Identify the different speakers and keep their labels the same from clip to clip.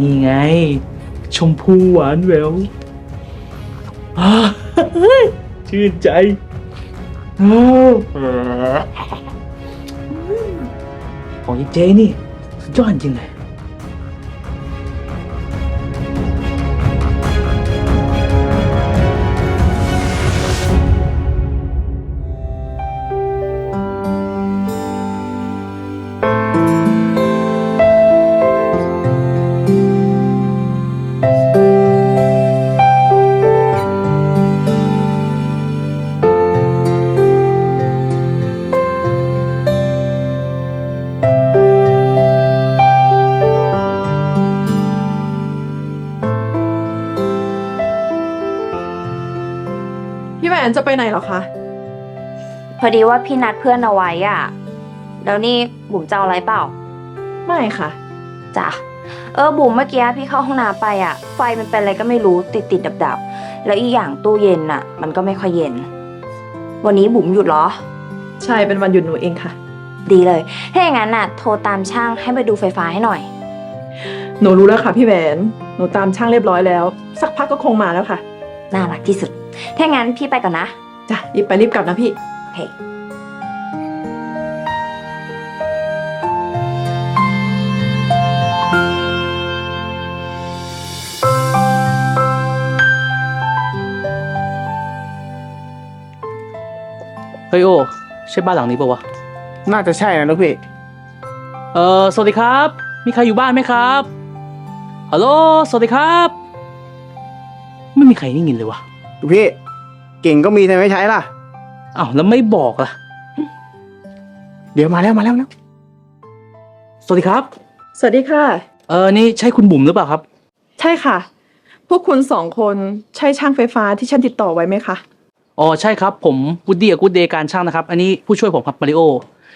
Speaker 1: นี่ไง ชมพูหวานแหววชื่นใจของยายเจนี่สุดยอดจริงเลย
Speaker 2: พี่แหวนจะไปไหนเหรอคะ
Speaker 3: พอดีว่าพี่นัดเพื่อนเอาไว้อ่ะแล้วนี่บุ๋มจะเอาอะไรเปล่า
Speaker 2: ไม่ค่ะ
Speaker 3: จ้ะบุ๋มเมื่อกี้พี่เข้าห้องน้ำไปอ่ะไฟมันเป็นอะไรก็ไม่รู้ติดดับแล้วอีกอย่างตู้เย็นอ่ะ มันก็ไม่ค่อยเย็น วันนี้บุ๋มหยุดเหรอ
Speaker 2: ใช่เป็นวันหยุดหนูเองค่ะ
Speaker 3: ดีเลยถ้าอย่างนั้นน่ะโทรตามช่างให้มาดูไฟฟ้าให้หน่อย
Speaker 2: หนูรู้แล้วค่ะพี่แหวนหนูตามช่างเรียบร้อยแล้ว สักพักก็คงมาแล้วค่ะ
Speaker 3: น่ารักที่สุดถ้าอย่างนั้นพี่ไปก่อนนะ
Speaker 2: จ้ะรีบไปรีบกลับนะพี่
Speaker 3: โอเค
Speaker 1: เฮ้ยโอใช่บ้านหลังนี้ปะวะ
Speaker 4: น่าจะใช่นะลูกพี่
Speaker 1: สวัสดีครับ มีใครอยู่บ้านไหมครับฮัลโหลสวัสดีครับไม่มีใครได้ยินเลยวะ
Speaker 4: ลูกพี่ เก่งก็มีแต่ไม่ใช้ล่ะ
Speaker 1: อ้าวแล้วไม่บอกล่ะ
Speaker 4: เดี๋ยวมาแล้ว
Speaker 1: สวัสดีครับ
Speaker 2: สวัสดีค่ะ
Speaker 1: นี่ใช่คุณบุ๋มหรือเปล่าครับ
Speaker 2: ใช่ค่ะ พวกคุณสองคนใช่ช่างไฟฟ้าที่ฉันติดต่อไว้ไหมคะ
Speaker 1: อ๋อใช่ครับผมวูดดี้กับกูดเดย์การช่างนะครับอันนี้ผู้ช่วยผมครับมาริโอ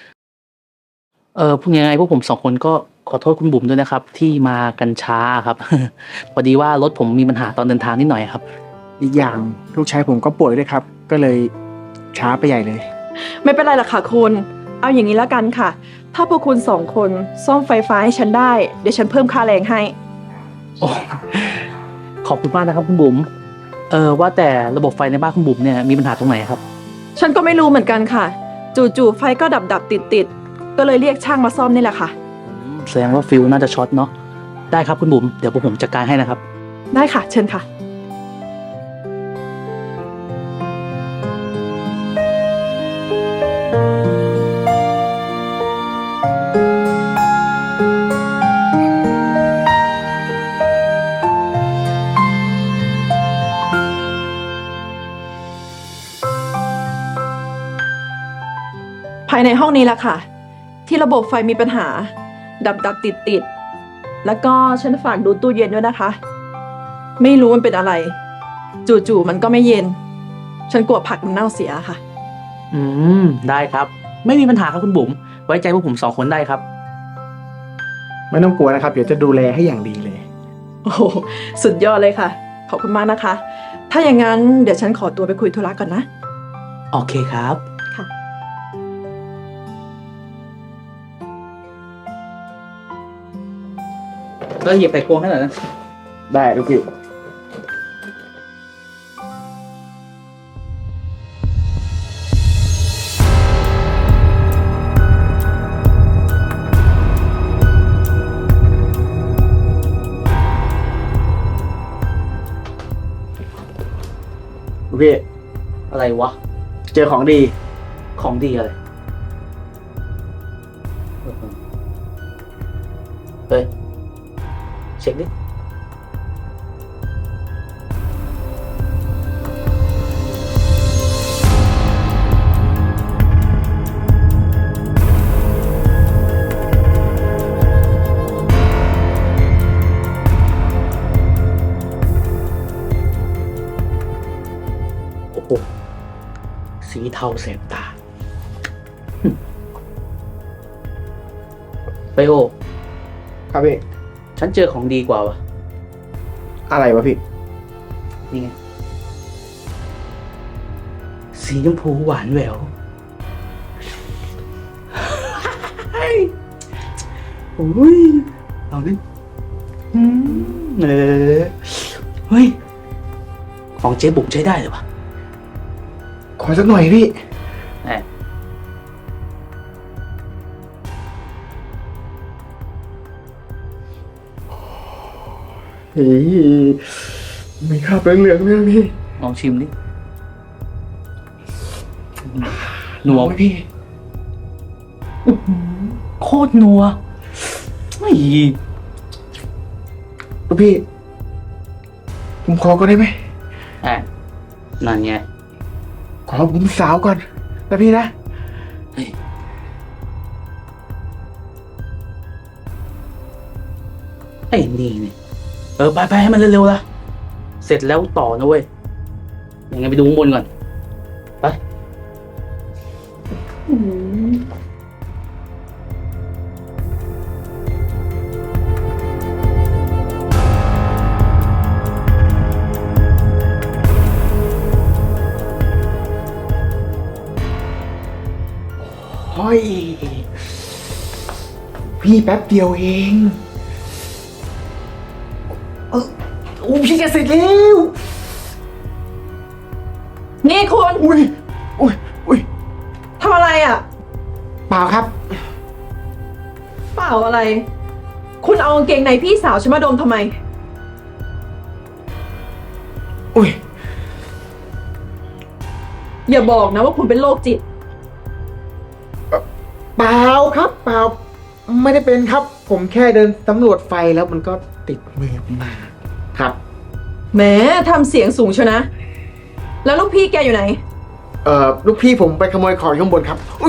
Speaker 1: พูดยังไงพวกผมสองคนก็ขอโทษคุณบุ๋มด้วยนะครับ ที่มากันช้าครับ พอดีว่ารถผมมีปัญหาตอนเดินทางนิดหน่อยครับ
Speaker 4: อีกอย่างลูกชายผมก็ป่วยด้วยครับ ก็เลยช้าไปใหญ่เลย
Speaker 2: ไม่เป็นไรหรอกค่ะคุณ เอาอย่างนี้แล้วกันค่ะ ถ้าพวกคุณสองคนซ่อมไฟฟ้าให้ฉันได้ เดี๋ยวฉันเพิ่มค่าแรงให้
Speaker 1: โอ้ขอบคุณมากนะครับคุณบุ๋มว่าแต่ระบบไฟในบ้านคุณบุ๋มเนี่ยมีปัญหาตรงไหนครับ
Speaker 2: ฉันก็ไม่รู้เหมือนกันค่ะ จู่ๆไฟก็ดับติดก็เลยเรียกช่างมาซ่อมนี่แหละค่ะ
Speaker 1: แสดงว่าฟิวน่าจะช็อตเนาะได้ครับคุณบุ๋มเดี๋ยวพวกผมจัดการให้นะครับ
Speaker 2: ได้ค่ะ เชิญค่ะ ภายในห้องนี้แหละค่ะ ที่ระบบไฟมีปัญหา ดับติดแล้วก็ฉันฝากดูตู้เย็นด้วยนะคะ ไม่รู้มันเป็นอะไร จู่ๆมันก็ไม่เย็น ฉันกลัวผักมันเน่าเสียค่ะ
Speaker 1: ได้ครับไม่มีปัญหาครับคุณบุ๋มไว้ใจพวกผมสองคนได้ครับ
Speaker 4: ไม่ต้องกลัวนะครับ เดี๋ยวจะดูแลให้อย่างดีเลย
Speaker 2: โอ้โหสุดยอดเลยค่ะ ขอบคุณมากนะคะ ถ้าอย่างนั้นเดี๋ยวฉันขอตัวไปคุยธุระก่อนนะ
Speaker 1: โอเคครับ
Speaker 2: ค่ะ
Speaker 1: ก็หยิบไข่ควงให้หน่อยนะ
Speaker 4: ได้ลูกพี่ ลูกพี่
Speaker 1: อะไรวะ
Speaker 4: เจอของดี
Speaker 1: ของดีอะไรเฮ้ยเช็คดิโอ้โหสีเทาแสบตาไปโอ
Speaker 4: ครับพี่
Speaker 1: ฉันเจอของดีกว่าวะ
Speaker 4: อะไรวะพี่
Speaker 1: นี่ไง สีชมพูหวานแหววโอ้ยเอาดิเออเฮ้ย ของเจ๊บุ๋มใช้ได้เลยวะ
Speaker 4: ขอสักหน่อยพี่
Speaker 1: แหม
Speaker 4: เฮ้ยมีคราบเหลืองๆด้วยนะพี่
Speaker 1: ลองชิมดินัว
Speaker 4: ไหมพี่
Speaker 1: โคตรนัวไอ้
Speaker 4: ลูกพี่ ผมขอก็ได้ไหม
Speaker 1: แอะนั่นไง
Speaker 4: ขอผมสาวก่อนนะพี่นะ
Speaker 1: ไอ้นี่นี่ไปให้มันเร็วๆละเสร็จแล้วต่อนะเว้ย ยังไงไปดูข้างบนก่อน ไป
Speaker 4: เฮ้ย พี่แป๊บเดียวเองโอ้พี่จะเสร็จแล้ว
Speaker 2: นี่คุณ
Speaker 4: อุ้ย
Speaker 2: ทำอะไรอ่ะ
Speaker 4: เปล่าครับ
Speaker 2: เปล่าอะไร คุณเอากางเกงในพี่สาวฉันมาดมทำไม
Speaker 4: อุ้ย
Speaker 2: อย่าบอกนะว่าคุณเป็นโรคจิต
Speaker 4: เปล่าครับ เปล่า ไม่ได้เป็นครับ ผมแค่เดินสำรวจไฟแล้วมันก็ติดมือมาครับ
Speaker 2: แหมทำเสียงสูงเชียวนะ แล้วลูกพี่แกอยู่ไหน
Speaker 4: ลูกพี่ผมไปขโมยของข้างบนครับอุ๊ย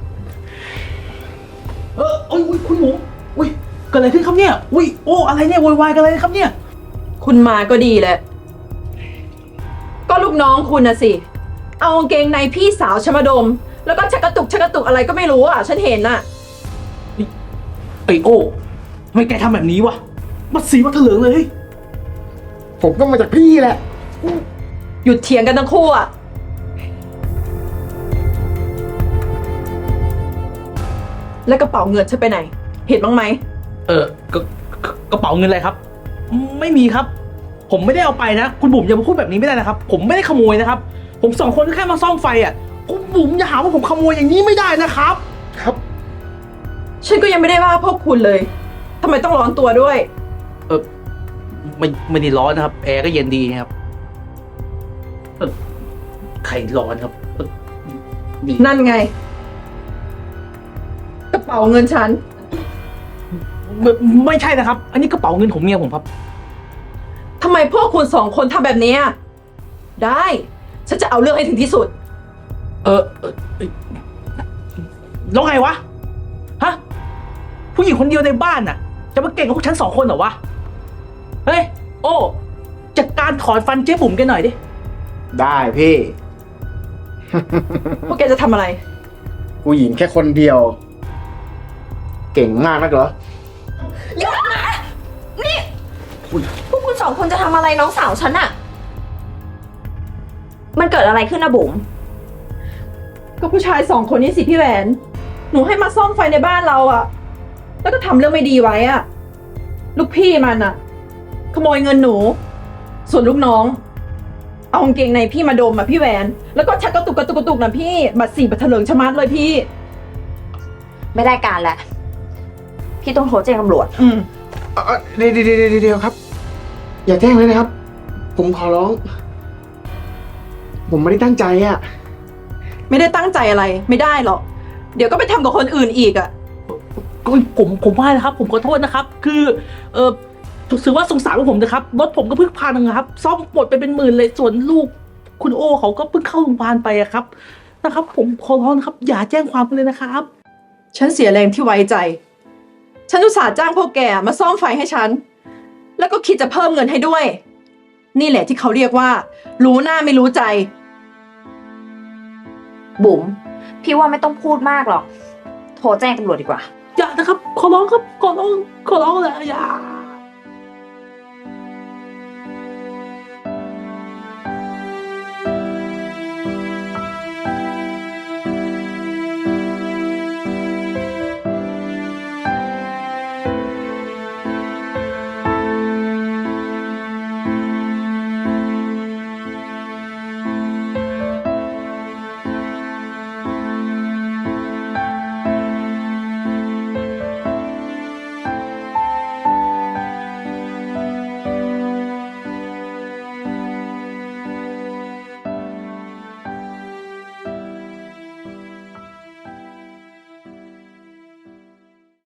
Speaker 1: อุ้ยคุณหมูอุ้ยเกิดอะไรขึ้นครับเนี่ย อุ้ยโอ้อะไรเนี่ยโวยวายกันอะไรครับเนี่ย
Speaker 2: คุณมาก็ดีแหละ ก็ลูกน้องคุณนะสิ เอากางเกงในพี่สาวฉันมาดม แล้วก็ชักกระตุกอะไรก็ไม่รู้อ่ะ ฉันเห็นน่ะ
Speaker 1: ไอโอ้ทำไมแกทำแบบนี้วะมาสีมาเถลิงเลยเฮ้ย
Speaker 4: ผมก็มาจากพี่แหละ
Speaker 2: หยุดเถียงกันทั้งคู่อ่ะ แล้วกระเป๋าเงินฉันไปไหน เห็นบ้างไหม
Speaker 1: กระเป๋าเงินอะไรครับ ไม่มีครับ ผมไม่ได้เอาไปนะ คุณบุ๋มอย่ามาพูดแบบนี้ไม่ได้นะครับ ผมไม่ได้ขโมยนะครับ ผมสองคนก็แค่มาซ่อมไฟอ่ะคุณบุ๋มอย่าหาว่าผมขโมยอย่างนี้ไม่ได้นะครับ
Speaker 4: ครับ
Speaker 2: ฉันก็ยังไม่ได้ว่าพวกคุณเลยทำไมต้องร้อนตัวด้วย
Speaker 1: ไม่ได้ร้อนนะครับ แอร์ก็เย็นดีครับใครร้อนครับดี
Speaker 2: นั่นไง กระเป๋าเงินฉัน
Speaker 1: ไม่ใช่นะครับ อันนี้กระเป๋าเงินของเมียผมครับ
Speaker 2: ทำไมพวกคุณสองคนทำแบบนี้อะได้ ฉันจะเอาเรื่องให้ถึงที่สุด
Speaker 1: แล้วไงวะ ฮะ ผู้หญิงคนเดียวในบ้านน่ะ จะมาเก่งกับพวกฉันสองคนเหรอวะ เฮ้ย โอ้จัดการถอนฟันเจ๊บุ๋มกันหน่อยดิ
Speaker 4: ได้พี่
Speaker 2: พวกแกจะทำอะไร
Speaker 4: ผู้หญิงแค่คนเดียว เก่งมากนักเหรอ
Speaker 3: หยุดนะ นี่พวกคุณสองคนจะทำอะไรน้องสาวฉันอะมันเกิดอะไรขึ้นนะบุ๋ม
Speaker 2: ก็ผู้ชายสองคนนี้สิพี่แหวน หนูให้มาซ่อมไฟในบ้านเราอะแล้วก็ทำเรื่องไม่ดีไว้อะลูกพี่มันอะขโมยเงินหนู ส่วนลูกน้อง เอากางเกงในพี่มาดมอะพี่แหวน แล้วก็ชักกระตุกนะพี่บัตรสีบัตรเถลิงชะมัดเลยพี่
Speaker 3: ไม่ได้การแล้วพี่ต้องโทรแจ้งตำรวจ
Speaker 4: เดี๋ยวครับ อย่าแจ้งเลยนะครับ ผมขอร้อง ผมไม่ได้ตั้งใจอ่ะ
Speaker 2: ไม่ได้ตั้งใจอะไร ไม่ได้หรอก เดี๋ยวก็ไปทำกับคนอื่นอีกอะ
Speaker 1: ผมว่านะครับ ผมขอโทษนะครับ คือถือว่าสงสารผมนะครับ รถผมก็เพิ่งพังนะครับ ซ่อมหมดไปเป็นหมื่นเลย ส่วนลูก คุณโอเขาก็เพิ่งเข้าโรงพยาบาลไปอะครับ นะครับ ผมขอร้องนะครับ อย่าแจ้งความกันเลยนะครับ
Speaker 2: ฉันเสียแรงที่ไว้ใจ ฉันอุตส่าห์จ้างพวกแกมาซ่อมไฟให้ฉัน แล้วก็คิดจะเพิ่มเงินให้ด้วย นี่แหละที่เขาเรียกว่า รู้หน้าไม่รู้ใจ
Speaker 3: บุ๋มพี่ว่าไม่ต้องพูดมากหรอก โทรแจ้งตำรวจดีกว่า
Speaker 1: อย่านะครับ ขอร้องครับ ขอร้องเลยอย่า